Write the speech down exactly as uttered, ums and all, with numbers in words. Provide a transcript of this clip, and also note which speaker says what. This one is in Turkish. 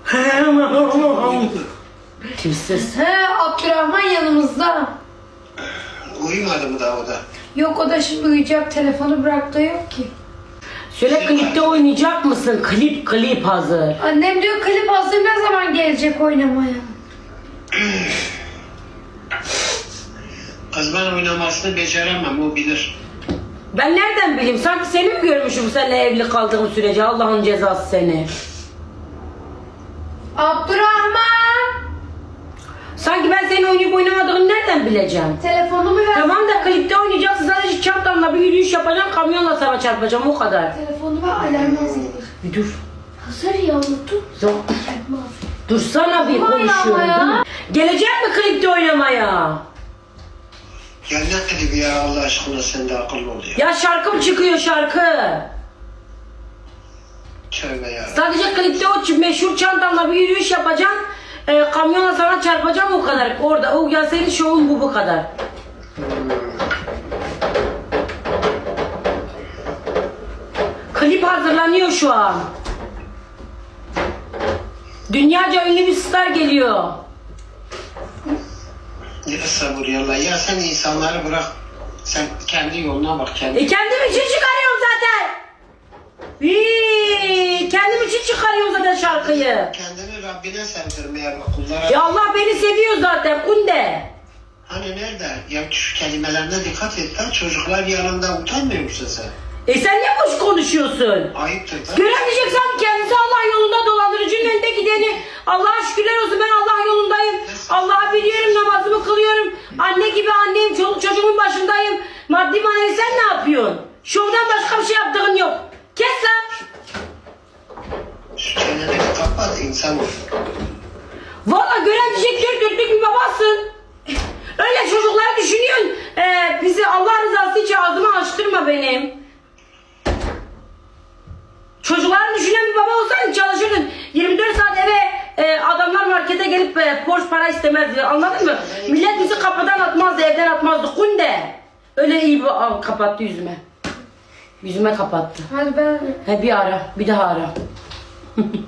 Speaker 1: Kimsiz?
Speaker 2: He, Abdurrahman yanımızda.
Speaker 3: Uyumadı mı daha o da?
Speaker 2: Yok, o da şimdi uyuyacak, telefonu bıraktı, yok ki.
Speaker 1: Şöyle klipte oynayacak mısın? Klip klip hazır.
Speaker 2: Annem diyor klip hazır, ne zaman gelecek oynamaya?
Speaker 3: Kız ben oynamasını beceremem, o bilir.
Speaker 1: Ben nereden bileyim? Sanki seni mi görmüşüm seninle evli kaldığım sürece? Allah'ın cezası seni.
Speaker 2: Abdurrahman!
Speaker 1: Sanki ben senin oynayıp oynamadığını nereden bileceğim?
Speaker 2: Telefonumu ver.
Speaker 1: Tamam da klipte oynayacaksın, sadece çantamla bir yürüyüş yapacağım, kamyonla sana çarpacağım, o kadar.
Speaker 2: Telefonumu ver, alarm hazır.
Speaker 1: Bir dur.
Speaker 2: Hazır ya, unuttum.
Speaker 1: Dur. Dursana bir
Speaker 2: Ama
Speaker 1: konuşuyorum.
Speaker 2: ya.
Speaker 1: Gelecek mi klipte oynamaya?
Speaker 3: Ya ne dedi ya, Allah aşkına sen de akıllı ol ya.
Speaker 1: Ya şarkı mı çıkıyor, şarkı?
Speaker 3: Tövbe ya.
Speaker 1: Sadece klipte o meşhur çantamla bir yürüyüş yapacaksın, e, kamyonla sana çarpacağım, o kadar. Orada, o ya senin şovun bu bu kadar. Klip hazırlanıyor şu an. Dünyaca ünlü bir star geliyor.
Speaker 3: Ya sabır yallah ya, sen insanları bırak. Sen kendi yoluna bak, kendi.
Speaker 1: E kendim için çıkarıyorum zaten. Vii, kendim için çıkarıyorum zaten şarkıyı.
Speaker 3: Kendini Rabbine sevdirmeye bak, kullara.
Speaker 1: Ya Allah beni seviyor zaten kunde.
Speaker 3: Hani nerede? Ya şu kelimelerine dikkat et lan, çocuklar yanında utanmıyor musun sen?
Speaker 1: E sen ne boş konuşuyorsun?
Speaker 3: Ayıptır da.
Speaker 1: Göremeyeceksen kendisi Allah yolunda, dolandırıcının önünde gideni. Allah'a şükürler olsun, ben Allah yolundayım. Allah'ı biliyorum, namazımı kılıyorum. Anne gibi anneyim, çoluk çocuğumun başındayım. Maddi manevi sen ne yapıyorsun? Şovdan başka bir şey yaptığın yok. Kes lan.
Speaker 3: Şu çeneni bir kapat, insan ol.
Speaker 1: Valla göremeyecek dört dörtlük bir babasın. Öyle çocukları düşünüyorsun. Ee, bizi Allah rızası için ağzımı açtırma benim. Çocukları düşünen bir baba olsaydın çalışırdın. yirmi dört saat eve e, adamlar markete gelip e, borç para istemezdi. Anladın mı? Millet bizi kapıdan atmazdı, evden atmazdı. Kunde. Öyle iyi bir Aa, kapattı yüzüme. Yüzüme kapattı.
Speaker 2: Hadi ben...
Speaker 1: He bir ara, bir daha ara.